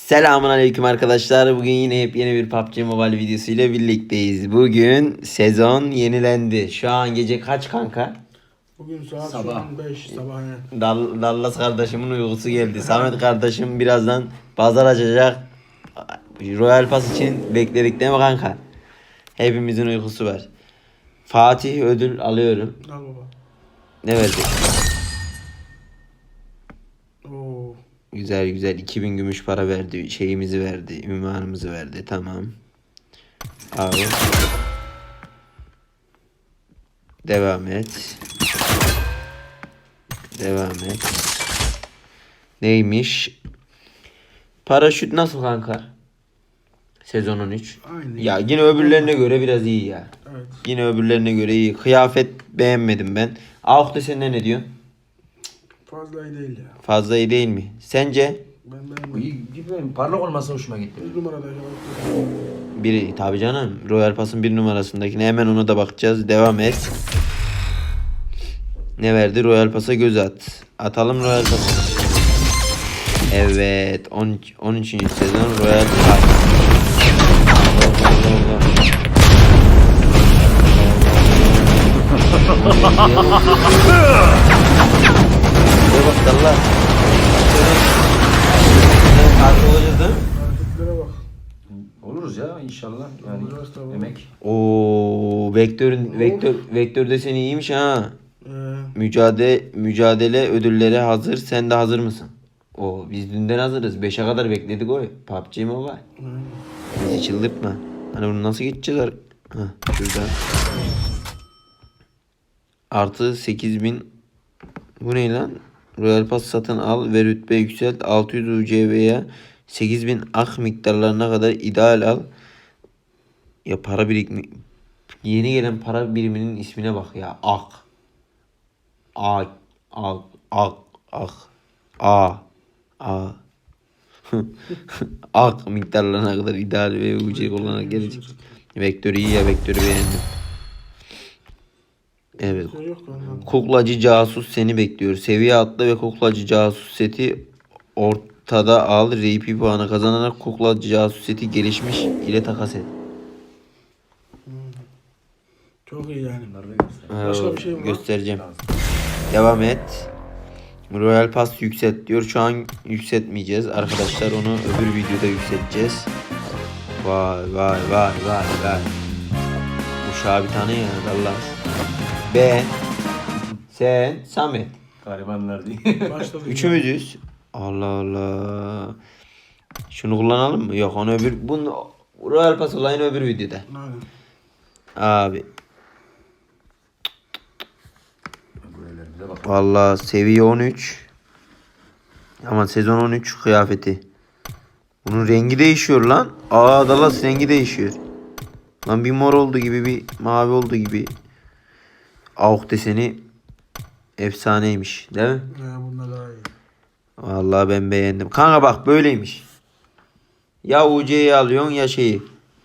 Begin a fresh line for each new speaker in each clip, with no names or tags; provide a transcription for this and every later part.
Selamun aleyküm arkadaşlar. Bugün yine yepyeni bir PUBG Mobile videosu ile birlikteyiz. Bugün sezon yenilendi. Şu an gece kaç kanka?
Bugün saat
Sabah.
5 sabah yani.
Dallas kardeşimin uykusu geldi. Samet kardeşim birazdan pazar açacak. Royal Pass için bekledik değil mi kanka? Hepimizin uykusu var. Fatih ödül alıyorum.
Al baba.
Ne verdi?
Oo.
Güzel güzel 2000 gümüş para verdi. Şeyimizi verdi. Ünvanımızı verdi. Tamam. Al. Devam et. Devam et. Neymiş? Paraşüt nasıl kanka? Sezon 13.
Aynı.
Ya yine öbürlerine göre biraz iyi ya.
Evet.
Yine öbürlerine göre iyi. Kıyafet beğenmedim ben. Avukta sen ne diyorsun?
Fazla iyi değil ya.
Fazla iyi değil mi? Sence?
Ben
Bu
beğenmedim.
iyi gibi parlak olması hoşuma gitti.
100 numarada ya.
Biri tabii canım. Royal Pass'ın bir numarasındakine hemen ona da bakacağız. Devam et. Ne verdi? Royal Pass'a göz at. Atalım Royal Pass'a. Evet. 13. sezon Royal Pass. Ne bak Allah. Kartı olacağız değil mi?
Hareketlere bak.
Oluruz ya inşallah. Yani
Olacağız tabii.
emek.
Oo, vektör deseni iyiymiş ha.
Ee,
Mücadele ödülleri hazır. Sen de hazır mısın? Oo, biz dünden hazırız. 5'e kadar bekledik o. PUBG Mobile. Bizi çıldırtma. Hani bunu nasıl geçeceğiz? Şurada. Artı 8000. Bu ne lan? Royal Pass satın al ve rütbe yükselt. 600 UCV'ye 8000 ak miktarlarına kadar ideal al. Ya para birikmi. Yeni gelen para biriminin ismine bak ya. Ak. Ak. Ak. Ak. Ak. A. A. Ak miktarlarına kadar ideal ve UC kullanarak gelecek. Vektörü iyi ya, vektörü beğendim. Evet.
şey yok kanka.
Kuklacı casus seni bekliyor. Seviye atla ve kuklacı casus seti ortada al. RP puanı kazanarak kuklacı casus seti gelişmiş ile takas et.
Çok iyi yani.
Bunları da göster.
Başka bir şey mi var?
Göstereceğim. Devam et. Royal Pass yükselt diyor. Şu an yükseltmeyeceğiz. Arkadaşlar onu öbür videoda yükselteceğiz. Vay vay vay vay vay. Uşağı bir tane ya Allah. Ben, sen, Samet.
Garibanlar değil.
Başladı.
Üçümüzüz. Allah Allah. Şunu kullanalım mı? Yok, onu bunu Royal Pass olayını öbür videoda.
Aynen.
Abi.
Böylelerimize bak.
Vallahi seviye 13. Ama sezon 13 kıyafeti. Bunun rengi değişiyor lan. Dallas rengi değişiyor. Lan bir mor oldu gibi, bir mavi oldu gibi. Avuk deseni efsaneymiş, değil mi?
Ya bunlar daha iyi.
Vallahi ben beğendim. Kanka bak böyleymiş. Ya UC'yi alıyorsun ya şeyi.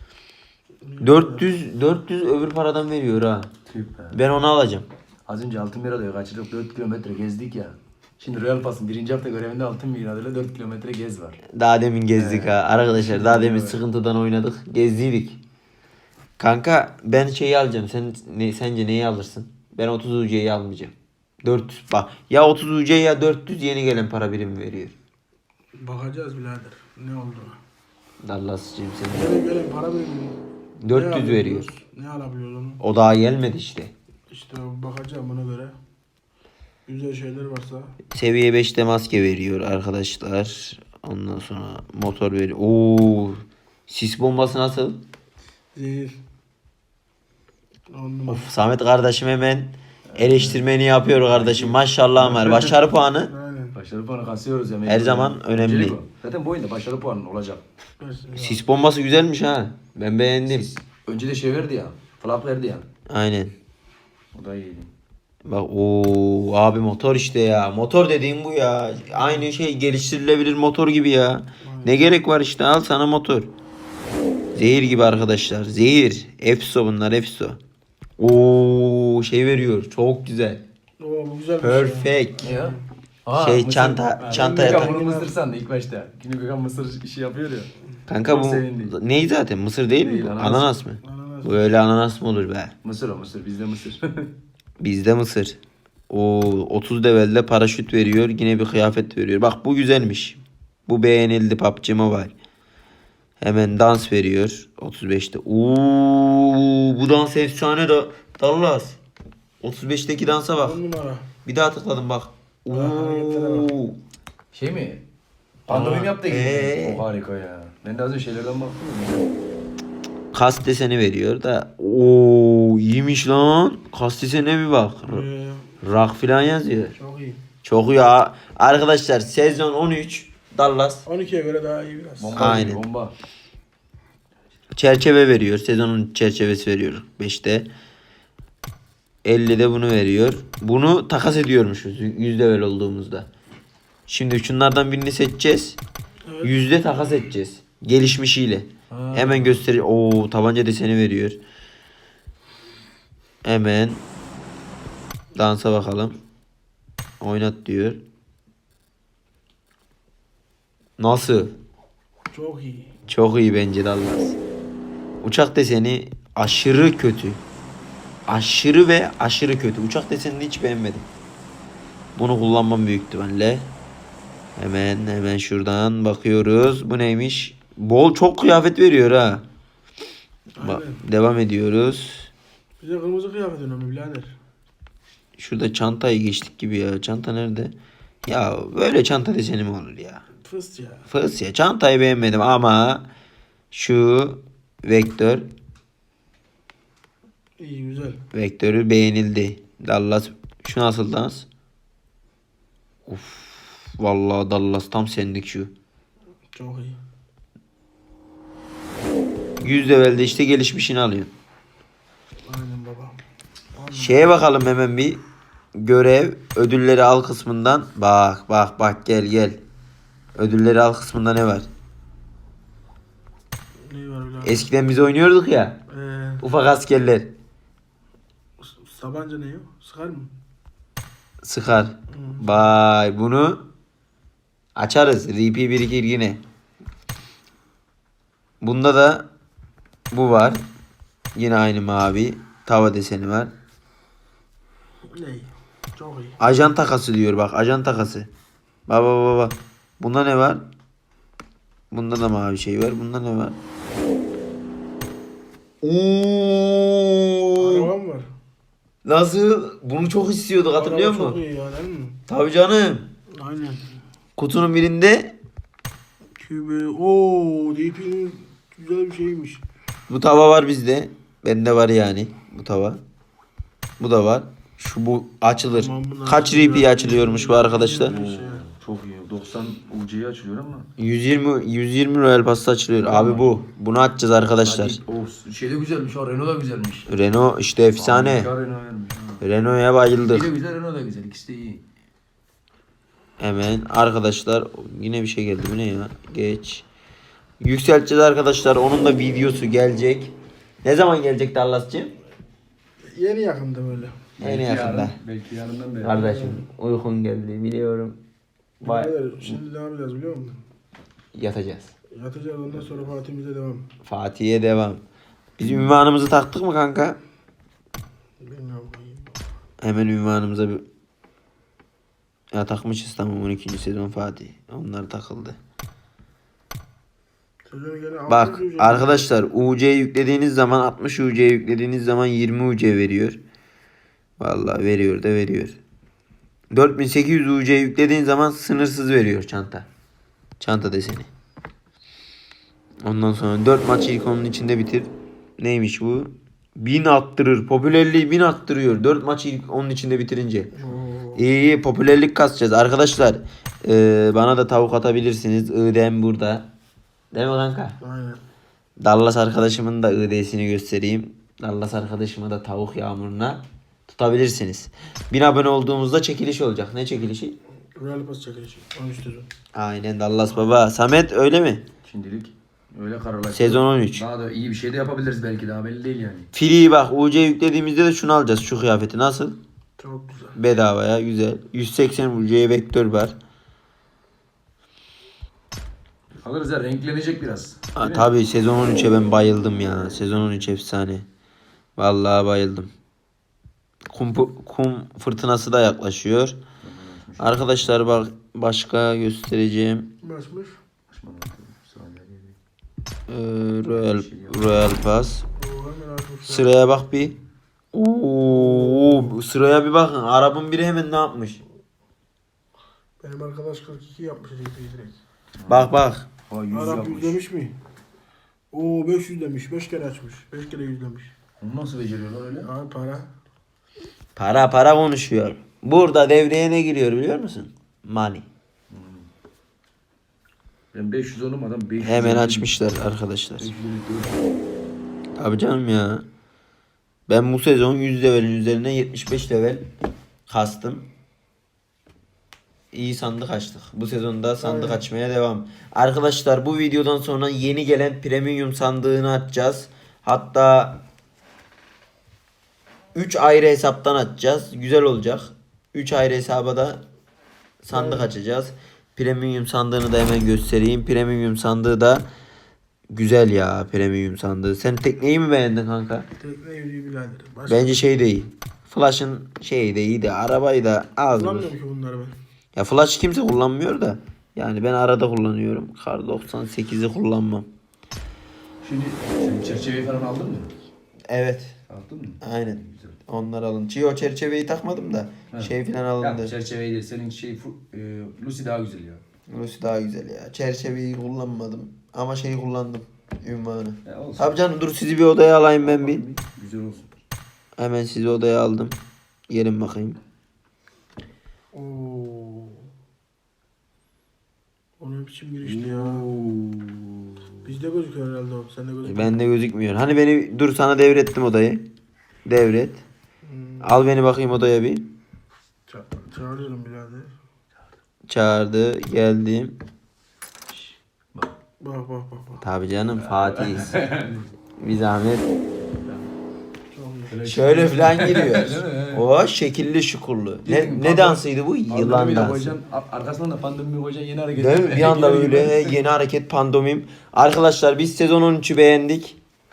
400 öbür paradan veriyor ha.
Tüh be.
Ben onu alacağım.
Az önce altın bir alıyor. Kaçırdık 4 kilometre gezdik ya. Şimdi Royal Pass'ın 1. hafta görevinde altın bir adıyla 4 kilometre gez var.
Daha demin gezdik ha. Arkadaşlar daha demin sıkıntıdan oynadık. Gezdiydik. Kanka ben şeyi alacağım. Sence neyi alırsın? Ben 30 UC'yi almayacağım. 400 bak. Ya 30 UC ya 400 yeni gelen para birimi veriyor.
Bakacağız birader. Ne oldu?
Dallas'cığım sen.
Yeni gelen para birimi.
400
ne alabiliyoruz?
veriyor.
Ne alabiliyoruz onu?
O daha gelmedi işte.
İşte bakacağım buna göre. Güzel şeyler varsa.
Seviye 5'te maske veriyor arkadaşlar. Ondan sonra motor veriyor. Oo, sis bombası nasıl?
Zehir. On numara.
Of, Samet kardeşim hemen eleştirmeni yapıyor kardeşim. Maşallah var. Başarı puanı
Aynen.
Başarı puanı kasıyoruz ya.
her zaman önemli.
Öncelik o. Zaten bu oyunda başarı puanı olacak.
Mesela.
Sis bombası güzelmiş ha. Ben beğendim.
Önce de şey verdi ya. Flap verdi ya.
Aynen.
O da iyiydi.
Bak o abi motor işte ya. Motor dediğim bu ya. Aynı şey geliştirilebilir motor gibi ya. Ne gerek var işte, al sana motor. Zehir gibi arkadaşlar. Zehir. Efso bunlar, Efso. Oo, şey veriyor. Çok güzel.
Oo bu güzel bir şey.
Perfect.
Ne ya? Mısır.
çanta
Gökhan
yatağı.
bunu mısır sandı ilk başta. Şimdi Gökhan mısır işi yapıyor ya.
Kanka
Çok
bu
sevindi.
ney zaten? Mısır değil mi
Değil,
bu?
ananas.
Ananas mı?
Ananas.
Böyle ananas mı olur be?
Mısır o mısır bizde mısır.
Bizde mısır. O 30 levelde paraşüt veriyor. Yine bir kıyafet veriyor. Bak bu güzelmiş. Bu beğenildi PUBG Mobile. Hemen dans veriyor. 35'te. Bu dans efsane da Dallas. 35'teki dansa bak.
10 numara.
Bir daha tıkladım bak.
hareketlere
Şey mi? Pandomim yaptı gibi.
Ee?
O harika ya. Ben de az önce şeylerden baktım.
Kas deseni veriyor da. İyiymiş lan. Kas desene bir bak. Rock falan yazıyor.
Çok iyi.
Çok iyi. Arkadaşlar sezon 13 Dallas
12'ye göre daha iyi biraz.
Bomba
Aynen.
gibi, bomba.
çerçeve veriyor. Sezonun çerçevesi veriyor 5'te. 50'de bunu veriyor. Bunu takas ediyormuşuz 100 level olduğumuzda. Şimdi şunlardan birini seçeceğiz.
Evet.
Yüzde takas edeceğiz. Gelişmişiyle.
Ha.
Hemen gösteriyor. Tabanca deseni veriyor. Hemen dansa bakalım. Oynat diyor. Nasıl?
Çok iyi.
Çok iyi bence Dallas. Uçak deseni aşırı kötü. Aşırı ve aşırı kötü. Uçak desenini hiç beğenmedim. Bunu kullanmam büyük ihtimalle. Hemen şuradan bakıyoruz. Bu neymiş? Bol çok kıyafet veriyor ha.
Aynen.
Devam ediyoruz.
Bize kırmızı kıyafet önemli birader.
Şurada çantayı geçtik gibi ya. Çanta nerede? Ya böyle çanta deseni mi olur ya?
Fıst ya.
Fıs ya. Çantayı beğenmedim ama şu vektör
İyi güzel.
vektörü beğenildi. Dallas şu nasıl dans? Uf, vallahi Dallas tam sendik şu.
Çok iyi.
100 levelde işte gelişmişini alıyorsun.
Aynen baba. Aynen.
Şeye bakalım hemen bir. Görev ödülleri al kısmından. Bak gel. Ödülleri al kısmında ne var?
Ne var birader?
Eskiden biz oynuyorduk ya. Ufak askerler.
Sabancı ne o? Sıkar mı?
Sıkar. Vay bunu açarız. RP birikir yine. Bunda da bu var. Yine aynı mavi. Tava deseni var.
Ne? Çok iyi.
Ajan takası diyor bak. Ajan takası. Baba. Bunda ne var? Bunda da mavi şey var. Bunda ne var?
Arabam var.
Nasıl? Bunu çok istiyorduk hatırlıyor
Araba çok
musun?
iyi ya değil mi?
Tabii canım.
Aynen.
Kutunun birinde
Kübe. DP'nin güzel bir şeymiş.
bu tava var bizde. Bende var yani bu tava. Bu da var. Bu açılır.
Tamam, bunlar
Kaç
açılıyor.
RP açılıyormuş bu arkadaşlar?
Çok iyi. 90 UC'ye açılıyor ama.
120 Royal Pass'ta açılıyor. Abi bu. Bunu açacağız arkadaşlar.
O şey de güzelmiş. O Renault da güzelmiş.
Renault işte efsane.
Harika Renault vermiş. Ha.
Renault'a
Bir
bayıldık.
de güzel Renault da güzel. İkisi de iyi.
Hemen arkadaşlar yine bir şey geldi. Bu ne ya? Geç. Yükselteceğiz arkadaşlar. Onun da videosu gelecek. Ne zaman gelecek Dallas'cığım?
Yeni yakında böyle.
En yakında.
Belki yarından beri.
Kardeşim uykun geldi biliyorum. Vay.
Birader, şimdi ne yapacağız biliyor musun?
Yatacağız.
Yatacağız ondan sonra Fatih'imize devam.
Fatih'e devam. Biz ünvanımızı taktık mı kanka?
Bilmiyorum.
Hemen ünvanımıza bir... Ya takmışız tamam 12. sezon Fatih. Onlar takıldı.
Sezonu gene
Bak
600 ücret.
arkadaşlar UC yüklediğiniz zaman 60 UC yüklediğiniz zaman 20 UC veriyor. Vallahi veriyor da veriyor. 4800 UC yüklediğin zaman sınırsız veriyor çanta. Çanta deseni. Ondan sonra 4 maç ilk onun içinde bitir. Neymiş bu? 1000 attırır. Popülerliği 1000 attırıyor. 4 maç ilk onun içinde bitirince.
Oo.
İyi popülerlik kasacağız. Arkadaşlar bana da tavuk atabilirsiniz. ID'm burada. Değil mi kanka?
Aynen.
Dallas arkadaşımın da ID'sini göstereyim. Dallas arkadaşımı da tavuk yağmuruna tutabilirsiniz. 1000 abone olduğumuzda çekiliş olacak. Ne çekilişi?
Royal Pass çekilişi. 13 sezon.
Aynen Dallas baba. Samet öyle mi?
Şimdilik öyle kararlar.
Sezon 13.
Daha da iyi bir şey de yapabiliriz belki daha belli değil yani.
Free bak UC yüklediğimizde de şunu alacağız. Şu kıyafeti nasıl?
Çok güzel.
Bedavaya güzel. 180 UC vektör var.
Alırız ya, renklenecek biraz.
Ha,
Değil mi?
tabii sezon 13'e ben bayıldım ya. Sezon 13 efsane. Vallahi bayıldım. Kum fırtınası da yaklaşıyor. Arkadaşlar bak başka göstereceğim.
Başmış.
Royal Pass.
Oo, hemen açmışlar.
Sıraya bak bir. Oo, sıraya bir bakın. Arabın biri hemen ne yapmış?
Benim arkadaş 42 yapmış direkt.
Bak bak.
Ha, 100
Arap
yapmış.
100 demiş mi? Oo 500 demiş. 5 kere açmış. 5 kere 100 demiş.
Onu nasıl beceriyorlar öyle?
Ha para.
Para konuşuyor. Burada devreye ne giriyor biliyor musun? Money.
Ben 500 oğlum, adam 500.
Hemen açmışlar arkadaşlar. Abi canım ya. Ben bu sezon 100 levelin üzerine 75 level kastım. İyi sandık açtık. Bu sezonda sandık
Aynen.
açmaya devam. Arkadaşlar bu videodan sonra yeni gelen premium sandığını açacağız. Hatta 3 ayrı hesaptan açacağız. Güzel olacak. 3 ayrı hesaba da sandık açacağız. Premium sandığını da hemen göstereyim. Premium sandığı da güzel ya, premium sandığı. Sen tekneyi mi beğendin kanka?
Tekne yürüyü birader. Başka
Bence şey de iyi. Flash'ın şeyi de iyi de arabayı da az.
kullanmıyorum ki bunları ben.
Ya Flash kimse kullanmıyor da. Yani ben arada kullanıyorum. Kar 98'i kullanmam.
Şimdi sen çerçeveyi falan aldın mı?
Evet.
Aldın mı?
Aynen.
Güzel.
Onlar alın. Çiğ çerçeveyi takmadım da.
Ha.
Şey falan
Ya
alındı.
çerçeveyi değil, senin Lucy daha güzel ya.
Burası daha güzel ya. Çerçeveyi kullanmadım. Ama şeyi kullandım. Ünvanı.
Olsun.
Tabii canım, dur sizi bir odaya alayım ben bir.
Güzel olsun.
Hemen sizi odaya aldım. Gelin bakayım.
Oo. O ne biçim girişti ya. Bizde gözüküyor herhalde o. Sende gözüküyor.
Bende gözükmüyor. Hani beni dur sana devrettim odayı. Devret. Al beni bakayım odaya bir.
Çağırıyorum birader.
Çağırdı. Geldim.
Bak bak bak bak.
Tabii canım, Fatih'iz. Bir zahmet.
Çok iyi.
Şöyle falan giriyor.
Değil mi?
O şekilli şukurlu. Ne dansıydı bu? Yılan dansı.
Arkasından da pandemi koyacaksın, yeni hareket.
Değil mi? Bir anda böyle yeni hareket, pandomim. Arkadaşlar biz sezon 13'ü beğendik.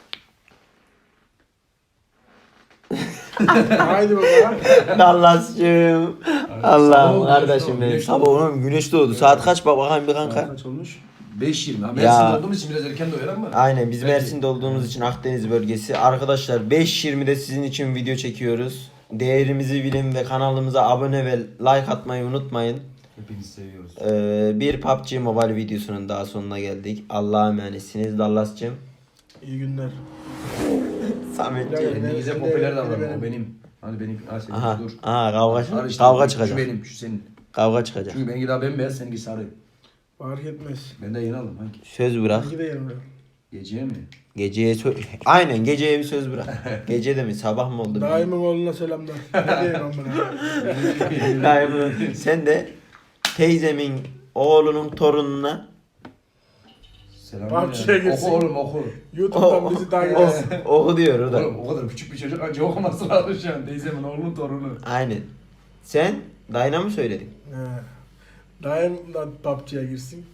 Haydi bakalım.
Dallas'cığım.
Sabah
Allah'ım
oldu,
kardeşim
güneş
benim.
doğdu.
Sabah oğlum güneş doğdu. Saat kaç bak bakayım bir kanka.
Kaç olmuş? 5.20. Ha,
Ya.
Mersin'de olduğumuz için biraz erken doyar ama.
Aynen, biz
Belki.
Mersin'de olduğumuz için Akdeniz bölgesi. Arkadaşlar 5.20'de sizin için video çekiyoruz. Değerimizi bilin ve kanalımıza abone ve like atmayı unutmayın.
Hepinizi seviyoruz.
Bir PUBG Mobile videosunun daha sonuna geldik. Allah'a emanetsiniz Dallas'cığım.
İyi günler.
Sametciğim.
Kendinize
Ben de-
popüler davranın.
benim.
O benim. Hani benim. Ha senin.
Aha,
Dur.
aha kavga,
Al işte,
kavga
Şu
çıkacak.
benim, şu senin.
Kavga çıkacak.
Çünkü benimki daha bembeyaz, seninki sarı.
Fark etmez.
Ben de yeni aldım. Hangi?
Söz bırak.
İki de yanımda.
Geceye mi?
Geceye aynen geceye bir söz bırak. Gece de mi sabah mı oldu?
Daimin oğluna selamlar. Ne diyeyim amına.
Daimin. Sen de teyzemin oğlunun torununa
Selam.
PUBG'ye girsin.
Oku oğlum, oku.
YouTube'dan bizi takip etsin.
oku diyor o da.
Oğlum o kadar küçük bir çocuk anca okuması lazım şu an. Teyzemin oğlunun torunu.
Aynen. Sen dayına mı söyledin?
He. Daim da PUBG'ye girsin.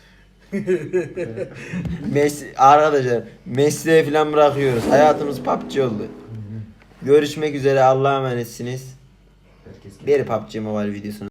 Arkadaşlar mesleğe falan bırakıyoruz. Hayatımız PUBG oldu. Görüşmek üzere, Allah'a emanetsiniz.
Herkes
Bir PUBG Mobile videosunu